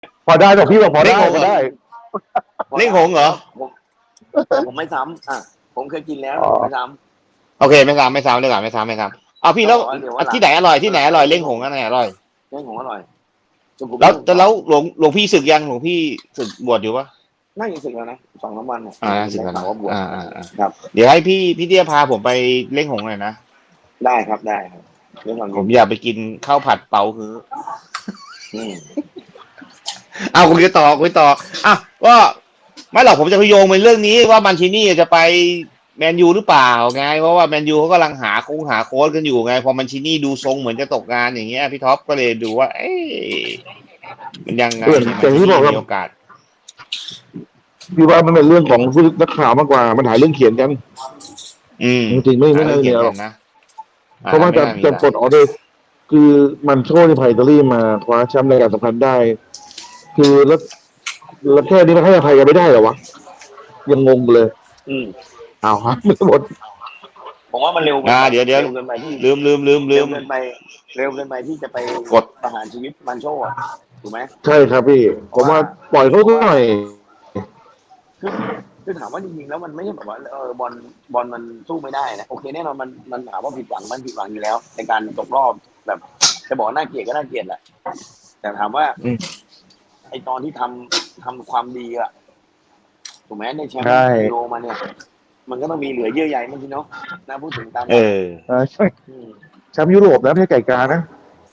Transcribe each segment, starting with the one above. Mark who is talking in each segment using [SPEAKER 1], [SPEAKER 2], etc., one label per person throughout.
[SPEAKER 1] พอได้แต่พี่บอกพอได้พอได้
[SPEAKER 2] เล่งหงเหรอ
[SPEAKER 3] ผมไม่ซ้ำผมเคยกินแล้วไม่ซ้ำ
[SPEAKER 2] โอเคไม่ซ้ำเลยก่อนไม่ซ้ำเอาพี่แล้วที่ไหนอร่อยที่ไหนอร่อยเล่งหงอันไหนอร่อย
[SPEAKER 3] เล่งหงอร่อย
[SPEAKER 2] แล้วหลวงพี่ศึกยังหลวงพี่ศึกบวชอยู่ปะ
[SPEAKER 3] น่าจะสึกแล้วนะ2-3 วัน
[SPEAKER 2] ศึกแล้วนะ
[SPEAKER 3] ครับ
[SPEAKER 2] เดี๋ยวให้พี่เตี้ยพาผมไปเล่งหงหน่อยนะ
[SPEAKER 3] ได้ครับ
[SPEAKER 2] ผมอยากไปกินข้าวผัดเปาคือเอาคุยต่ออ่ะว่าไม่หรอกผมจะพโยงไปเรื่องนี้ว่ามันชินี่จะไปแมนยูหรือเปล่าไงเพราะว่าแมนยูเขากำลังหาโค้ชกันอยู่ไงพอมันชินี่ดูทรงเหมือนจะตกงานอย่างเงี้ยพี่ท็อปก็เลยดูว่ามันยังไง
[SPEAKER 1] แต่ที่บอกว่า
[SPEAKER 2] มีโอกาส
[SPEAKER 1] พี่ว่ามันเป็นเรื่องของผู้นักข่าวมากกว่ามันหาเรื่องเขียนกันจริงไม่ได้เนี่ยหรอกนะเพราะว่าจะกดออเดอร์คือมันโชว์ในไพอิตาลีมาคว้าแชมป์รายการสำคัญได้คือแล้วแค่นี้มันให้อภัยกันไม่ได้เหรอวะยังงงเลยเอาฮะไม่หมด
[SPEAKER 3] ผมว่ามันเร็ว
[SPEAKER 2] เดี๋ยว
[SPEAKER 3] เกินไปที่
[SPEAKER 2] ลืม
[SPEAKER 3] เร็วเกินไปที่จะไป
[SPEAKER 2] กด
[SPEAKER 3] ประหารชีวิตมันโชว์ถูกไหม
[SPEAKER 1] ใช่ครับพี่ผมว่าปล่อยเขาหน่อย
[SPEAKER 3] คือถามว่าจริงๆแล้วมันไม่ใช่แบบว่าบอลมันสู้ไม่ได้นะโอเคแน่นอนมันถามว่าผิดหวังอยู่แล้วในการตกรอบแบบจะบอกน่าเกลียดก็น่าเกลียดแหละแต่ถามว่าไอตอนที่ทำความดีถูกไหมในแชมป์ยูโรมาเนี่ยมันก็ต้องมีเหลือเยื่อใยมันทีเนาะนะพูดถึงตาม
[SPEAKER 1] ใช่แชมป์ยุโรปแล้วไม่ใช่ไก่กานะ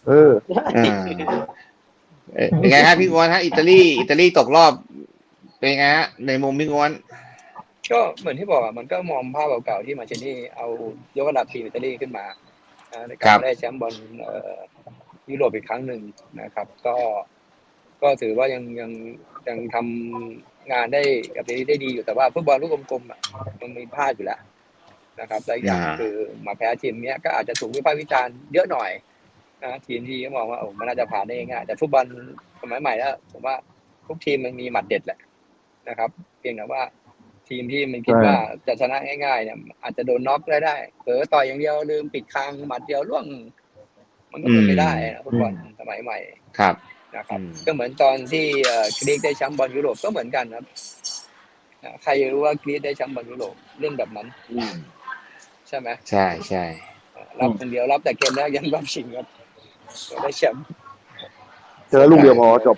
[SPEAKER 2] เป็นไงครับพี่งวนฮะอิตาลีตกรอบเป็นไงฮะในมุมพี่งวน
[SPEAKER 4] ก็เหมือนที่บอกมันก็มองภาพเก่าๆที่มาเชนี่เอายกระดับทีมอิตาลีขึ้นมาในการได้แชมป์บอลยุโรปอีกครั้งหนึ่งนะครับก็ถือว่ายังทำงานได้กับได้ดีอยู่แต่ว่าฟุตบอลลูกกลมๆมันมีพลาดอยู่แล้วนะครับและอย่างคือมาแพ้ทีมเนี้ยก็อาจจะถูกวิพากษ์วิจารณ์เยอะหน่อยนะทีมที่ก็มองว่ามันน่าจะผ่านได้ง่ายแต่ฟุตบอลสมัยใหม่แล้วผมว่าทุกทีมมันมีหมัดเด็ดแหละนะครับเพียงแต่ว่าทีมที่มันคิดว่าจะชนะง่ายๆเนี่ยอาจจะโดนน็อกได้เผลอต่อยอย่างเดียวลืมปิดคางหมัดเดียวล่วงมันก็เป็นไม่ได้นะฟุตบอลสมัยใหม่
[SPEAKER 2] ครับ
[SPEAKER 4] นะครับก็เหมือนตอนที่กรีกได้แชมป์บอลยุโรปก็เหมือนกันครับใครรู้ว่ากรีกได้แชมป์บอลยุโรปเล่นแบบนั้นใช่ไหม
[SPEAKER 2] ใช่
[SPEAKER 4] รับคนเดียวรับแต่เกมแรกยันรอบชิงครับได้แชมป์
[SPEAKER 1] เจอลูกเดียวพอจบ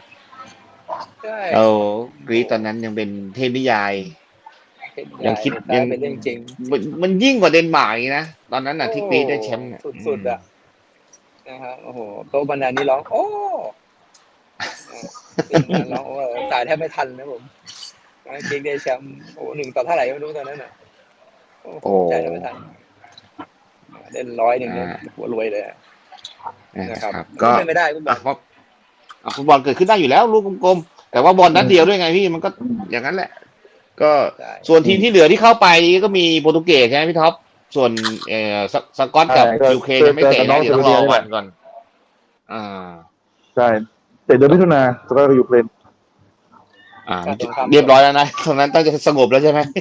[SPEAKER 2] กรีกตอนนั้นยังเป็นเทพนิยายยังคิด
[SPEAKER 4] ยังเป็นเรื่องจริง
[SPEAKER 2] มันยิ่งกว่าเดนมาร์กนะตอนนั้นน่ะที่กรีกได้แชมป์
[SPEAKER 4] สุดๆนะครับโอ้โหโต๊ะบรรดานี้ร้องโอ้ร้องตายแทบไม่ทันนะผมกรีกได้แชมป์1 ต่อเท่าไหร่ไม่รู้ตอนนั้นน่ะโอ้ใจแทบไม่ทันเล่น100เนี่ยหัวรวยเลยนะครับก็ไม่ได้
[SPEAKER 2] ฟุตบอลเกิดขึ้นได้อยู่แล้วลูกกลมๆแต่ว่าบอลนัดเดียวด้วยไงพี่มันก็อย่างนั้นแหละก็ส่วนทีมที่เหลือที่เข้าไปก็มีโปรตุเกสใช่ไหมพี่ท็อปส่วนสกอตกับยูเครนยังไม่เตะนะเดี๋ยวต้องรอวันก่อน
[SPEAKER 1] ใช่เตะเดือนมิถุนาสกอตกับยูเครน
[SPEAKER 2] เรียบร้อยแล้วนะตรงนั้นต้องจะสงบแล้วใช่ไหม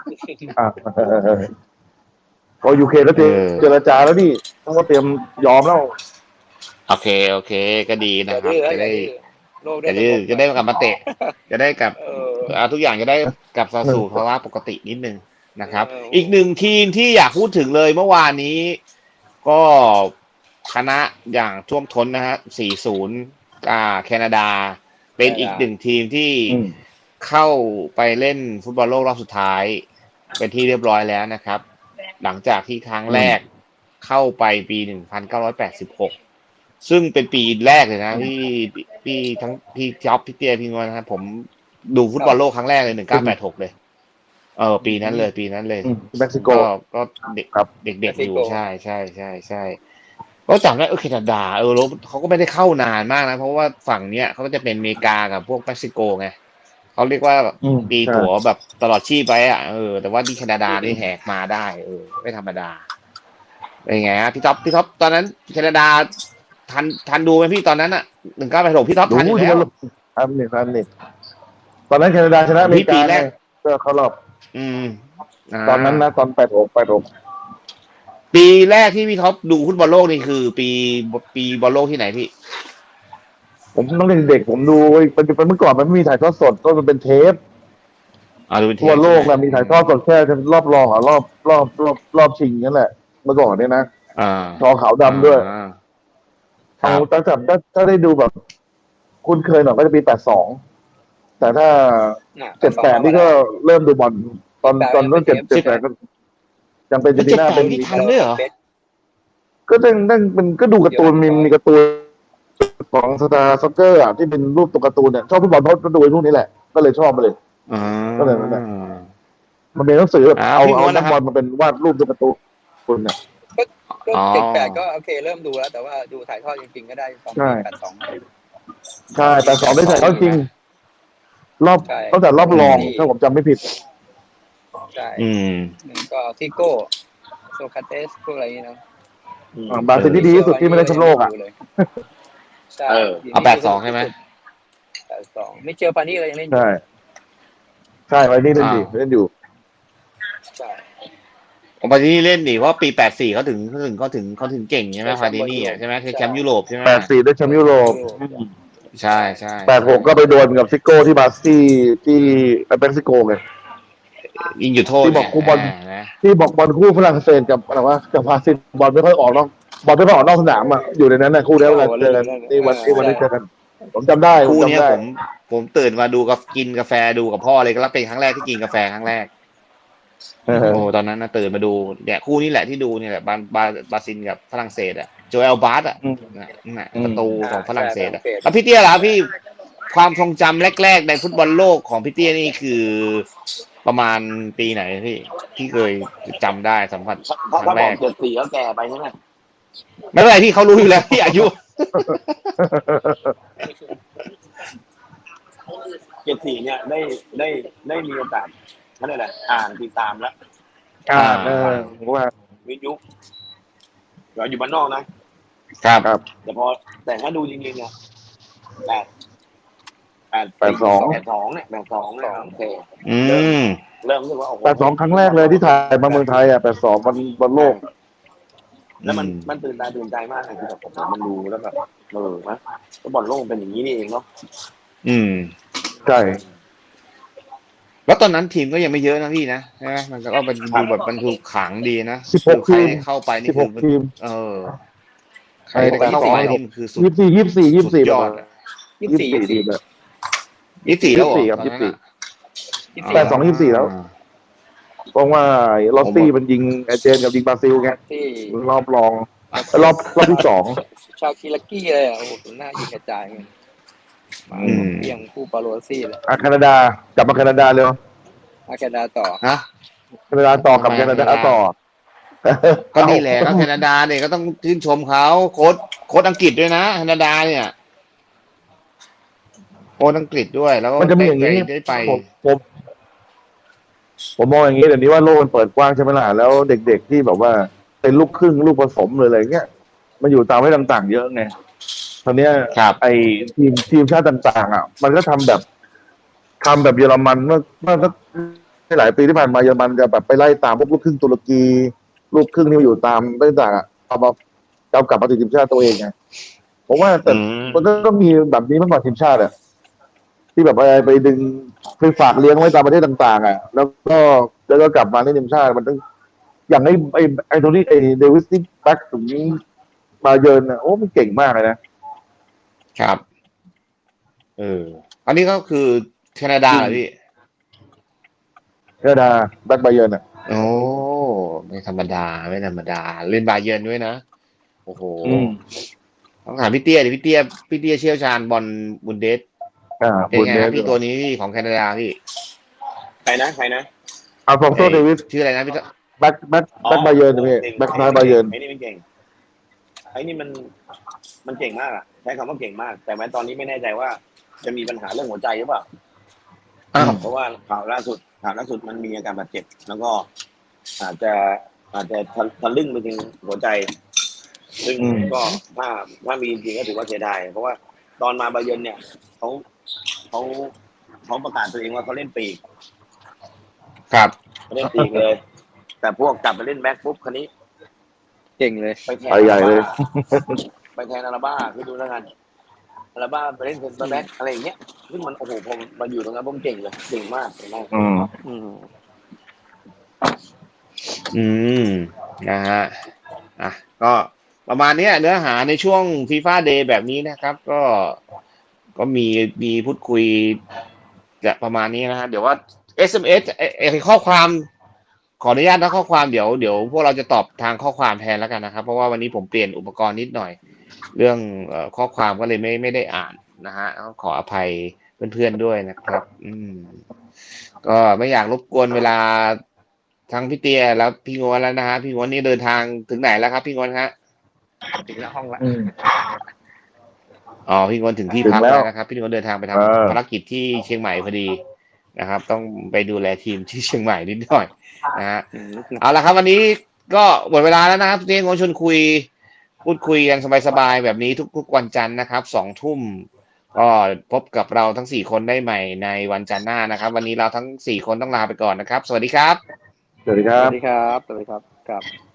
[SPEAKER 1] ก็ยูเครนแล้วเจรจาแล้วนี่ต้องก็เตรียมยอมแล้ว
[SPEAKER 2] โอเคก็ดีนะครับจะได้กลับมาเตะจะได้กลับทุกอย่างจะได้กลับสู่ภาวะปกตินิดนึงนะครับอีกหนึ่งทีมที่อยากพูดถึงเลยเมื่อวานนี้ก็ชนะอย่างท่วมท้นนะฮะ 4-0 แคนาดาเป็นอีกหนึ่งทีมที่เข้าไปเล่นฟุตบอลโลกรอบสุดท้ายเป็นที่เรียบร้อยแล้วนะครับหลังจากที่ครั้งแรกเข้าไปปี 1986 ซึ่งเป็นปีแรกเลยนะพี่ทั้งพี่จ๊อบพี่เตี้ยพี่งอนนะครับผมดูฟุตบอลโลกครั้งแรกเลย 1986 เลยปีนั้นเลย
[SPEAKER 1] เม็กซิโก
[SPEAKER 2] ก็เด็กครับเด็กๆอยู่ใช่ก็จำได้แคนาดาเขาก็ไม่ได้เข้านานมากนะเพราะว่าฝั่งเนี้ยเขาก็จะเป็นอเมริกากับพวกเม็กซิโกไงเขาเรียกว่าตีตั๋วแบบตลอดชีพไปแต่ว่าที่แคนาดานี่แหกมาได้ไม่ธรรมดาเป็นไงฮะพี่ท็อปตอนนั้นแคนาดาทันดูไหมพี่ตอนนั้น1986พี่ท็อปทันอยู่แล้ว
[SPEAKER 1] ทันนี่ตอนนั้นแคนาดาชนะอเมริกาก็เข้ารอบตอนนั้นนะตอน86
[SPEAKER 2] ปีแรกที่พี่ท็อปดูฟุตบอลโลกนี่คือปีบอลโลกที่ไหนพี่
[SPEAKER 1] ผมต้องเด็กๆผมดูเป็นเมื่อก่อนมันไม่มีถ่ายทอดสดก็มันเป็นเทป
[SPEAKER 2] ดูเป็นเท
[SPEAKER 1] ทั่ว
[SPEAKER 2] ปใช่ไหม
[SPEAKER 1] โลกนะมีถ่ายทอดสดแค่รอบรองรอบชิงนั่นแหละเมื่อก่อนเนี่ยนะ
[SPEAKER 2] อ่า
[SPEAKER 1] จอขาว
[SPEAKER 2] อ่า
[SPEAKER 1] ดำด้วยเอา
[SPEAKER 2] ครับ
[SPEAKER 1] ถ้าได้ดูแบบคุ้นเคยหน่อยก็จะปี82แต่ถ้า78นี่ก็เริ่มดูบอลตอนรุ่น78ก็ยังเป็นเจ
[SPEAKER 2] มัน
[SPEAKER 1] นีน่าเป็น
[SPEAKER 2] 78นี่ทันด้วยเหรอ
[SPEAKER 1] ก็ตั้งเป็นก็ดูการ์ตูนมีการ์ตูนของสตาร์ซ็อกเกอร์อ่ะที่เป็นรูปตัวการ์ตูนเนี่ยชอบฟุตบอลเพราะดูไอ้พวกนี้แหละก็เลยชอบไปเลย
[SPEAKER 2] อ่
[SPEAKER 1] ก็เลย
[SPEAKER 2] า
[SPEAKER 1] นั่นแหละมันเป็นหนังสือแบบเอา
[SPEAKER 2] พี่ม้วน
[SPEAKER 1] นัก
[SPEAKER 2] นะครับ
[SPEAKER 1] บอลมาเป็นวาดรูปตัวการ์ตูนเนี่ย
[SPEAKER 4] ก็78ก็โอเคเริ่มดูแล้วแต่ว่าดูถ่ายทอดจริงๆก็ได้ตอนปี82
[SPEAKER 1] ใช่82ได้ถ่ายทอดจริงรอบตั้งแต่รอบรองถ้าผมจำไม่ผิด
[SPEAKER 4] ใช่ก็ฟิโก้โซคาเตสพวกอะไรนี้นะ
[SPEAKER 1] บราซิลที่ดีที่สุดที่ไม่ได้แชมป์โลกอ่ะ
[SPEAKER 4] ใช่
[SPEAKER 2] เอา82ใช่ไหม
[SPEAKER 4] 82ไม่เจอปานี่เลยยังเล่นอยู่
[SPEAKER 1] ใช่ไว้นี่เล่นอยู่
[SPEAKER 4] ใช่
[SPEAKER 2] ปาดินี่เล่นดิเพราะปี84เขาถึงเก่งใช่ไหมปาดินี่ใช่ไหมคือแชมป์ยุโรปใช่ไหม
[SPEAKER 1] 84ได้แชมป์ยุโรป
[SPEAKER 2] ใช่
[SPEAKER 1] 86ก็ไปโดนกับซิโก้ที่บราซิลที่เม็กซิโกไง
[SPEAKER 2] ยิงอยู่โทษ
[SPEAKER 1] ที่บอกคู่บอลที่บอกบอลคู่ฝรั่งเศสกับอะไรวะกับบราซิลบอลไม่ค่อยออกนอกบอลไม่ค่อยออกนอกสนามอ่ะอยู่ในนั้นนะคู่นี้เวลาเจอกันนี่วันนี้เจอกันผมจำได้
[SPEAKER 2] คู่นี้ผมตื่นมาดูกับกินกาแฟดูกับพ่อเลยก็เป็นครั้งแรกที่กินกาแฟครั้งแรกโอ้ตอนนั้นนะตื่นมาดูเนี่ยคู่นี้แหละที่ดูเนี่ยแหละบราซิลกับฝรั่งเศสอ่ะโจเอลบาร์อ่ะประตูของฝรั่งเศสอ่ะแล้วพี่เตี้ยล่ะพี่ความทรงจำแรกๆในฟุตบอลโลกของพี่เตี้ยนี่คือประมาณปีไหนพี่ที่เคยจำได้สัมผัส
[SPEAKER 3] ครั้งแรก74ก็แก่ไปใช่ไหม
[SPEAKER 2] ไม่เป็นไรพี่เขารู้อยู่แล้วพี่อายุ
[SPEAKER 3] 74เนี่ยได้มีโอกาสนั่นแหละอ่านติดตามแล้ว
[SPEAKER 1] ว่า
[SPEAKER 3] วิทยุเราอยู่บ้านนอกนะครับแต่ถ้าดูจริงๆเนี่ย82เนี่ยโอเคเริ่มรู้สึกว่า
[SPEAKER 1] 82ครั้งแรกเลยที่ถ่ายมาเมืองไทยอ่ะ82บอลโลก
[SPEAKER 3] แล้วมันตื่นตาตื่นใจมากคือแบบมันดูแล้วแบบนะบอลโลกเป็นอย่างนี้นี่เองเนาะ
[SPEAKER 1] ใช่
[SPEAKER 2] แล้วตอนนั้นทีมก็ยังไม่เยอะนะพี่นะใช่ไหมมันก็เป็นดูแบบมันถูกขังดีนะ
[SPEAKER 1] 16ทีม
[SPEAKER 2] เข้าไปนี่คือ
[SPEAKER 1] ทีม
[SPEAKER 2] ใครเข้าไปนี่คือสุด
[SPEAKER 1] 24
[SPEAKER 2] ยอด
[SPEAKER 1] 24ทีมเลย
[SPEAKER 2] 24แล้ว
[SPEAKER 1] ครับ82 24แล้วเพราะว่าลอสซี่มันยิงเจนกับยิงบราซิลไงรอบรองรอบที่2
[SPEAKER 4] ชาวคิลากี้เลยโอ้โหหน้ายิงกระจายเงี้ยเพียงคู่ปาโลซี่เลย
[SPEAKER 1] แคนาดากลับมาแคนาดาเร็ว
[SPEAKER 4] แคนาดาต่อ
[SPEAKER 1] แคนาดาต่อกับแคนาดาต่อ
[SPEAKER 2] ก็นี่แหละก็แคนาดาเนี่ยก็ต้องชื่นชมเขาโค้ชอังกฤษด้วยนะแคนาดาเนี่ยโค้ชอังกฤษด้วยแล้ว
[SPEAKER 1] มันจะมีอย่างนี้
[SPEAKER 2] ได้ไป
[SPEAKER 1] ผมมองอย่างนี้เดี๋ยวนี้ว่าโลกมันเปิดกว้างใช่ไหมล่ะแล้วเด็กๆที่แบบว่าเป็นลูกครึ่งลูกผสมเลยอะไรเงี้ยมันอยู่ตามให้ต่างๆเยอะไงตอนนี้ไอทีมชาติต่างๆอ่ะมันก็ทำแบบเยอรมันเมื่อหลายปีที่ผ่านมาเยอรมันจะแบบไปไล่ตามพวกลูกครึ่งตุรกีลูกครึ่งที่อยู่ตามต่างๆอ่ะเอากลับมาติดทีมชาติตัวเองไงผมว่าแต่มันก็ต้องมีแบบนี้มากกว่าทีมชาติอ่ะที่แบบไปดึงไปฝากเลี้ยงไว้ตามประเทศต่างๆอ่ะแล้วก็กลับมาในทีมชาติมันต้องอย่างไอโทนี่เดวิสที่แบ็คถึงมาเยินอ่ะโอ้มันเก่งมากเลย
[SPEAKER 2] นะครับอันนี้ก็คือแคนาดาเหรอพี่
[SPEAKER 1] แคนาดาแบ็คบาเยิร์นอ่ะ
[SPEAKER 2] โอ้ไม่ธรรมดาเล่นบาเยิร์นด้วยนะโอ้โหต้องถามพี่เตี้ยดิพี่เตี้ยเชี่ยวชาญบอลบุนเดสเป็นไงพี่ตัวนี้ของแคนาดาพี่
[SPEAKER 3] ใครนะ
[SPEAKER 1] อัลฟองโซเดวิส
[SPEAKER 2] ชื่ออะไรนะพี่
[SPEAKER 1] แบ็คบาเยิร์นพี่แบ็คซ้ายบาเยิร์น
[SPEAKER 3] ไอ้นี่มันเก่งไอ้นี่มันเก่งมากอ่ะใช้คำว่าเก่งมากแต่แม้ตอนนี้ไม่แน่ใจว่าจะมีปัญหาเรื่องหัวใจหรือเปล่าเพราะว่าข่าวล่าสุดมันมีอาการบาดเจ็บแล้วก็อาจจะทะลึ่งไปถึงหัวใจซึ่งก็ถ้ามีจริงก็ถือว่าเสียดายเพราะว่าตอนมาบาเยิร์นเนี่ยเขาประกาศตัวเองว่าเขาเล่นปีก
[SPEAKER 2] ครับ
[SPEAKER 3] เล่นปีกเลยแต่พวกกลับไปเล่นแบ็คปุ๊บคันนี้
[SPEAKER 4] เก่งเลย
[SPEAKER 1] ไปใหญ่เลย
[SPEAKER 3] ไปแทนอาราบ้าคือดูแล้วกันแล้วบ้าไปเล่นเซนเตอร์แบ็กอะไรอย่างเงี้ยซึ่งมันโอ้โหผมมาอยู่ตรงนั้นผมเก่งเลยเก่งมากเก่งมาก
[SPEAKER 4] อืม
[SPEAKER 2] อืมนะฮะอ่ะก็ประมาณเนี้ยเนื้อหาในช่วงฟีฟ่าเดย์แบบนี้นะครับ ก็มีพูดคุยจะประมาณนี้นะฮะเดี๋ยวว่า SMS ข้อความขออนุญาตนะข้อความเดี๋ยวพวกเราจะตอบทางข้อความแทนแล้วกันนะครับเพราะว่าวันนี้ผมเปลี่ยนอุปกรณ์นิดหน่อย เรื่องข้อความก็เลยไม่ได้อ่านนะฮะขออภัยเพื่อนๆด้วยนะครับ ก็ไม่อยากรบกวนเวลาทั้งพี่เตียแล้วพี่งวนแล้วนะฮะพี่งวนนี่เดินทางถึงไหนแล้วครับพี่งวนฮะ
[SPEAKER 4] ถึงหน้าห้องละ
[SPEAKER 2] อ๋อพี่งวนถึงที่พักแล้วนะครับพี่งวนเดินทางไปทำภารกิจที่เชียงใหม่พอดีนะครับ ต้องไปดูแลทีมที่เชียงใหม่นิดหน่อยนะฮะเอาละครับวันนี้ก็หมดเวลาแล้วนะครับพี่งวนชวนคุยพูดคุยกันสบายๆแบบนี้ทุกวันจันทร์นะครับ2 ทุ่มก็พบกับเราทั้ง4 คนได้ใหม่ในวันจันทร์หน้านะครับ วันนี้เราทั้ง4 คนต้องลาไปก่อนนะครับสวัสดีครับ
[SPEAKER 1] สวัสดีค
[SPEAKER 4] ส
[SPEAKER 1] รับ
[SPEAKER 4] วัสดีครับสวัสดีครับครับ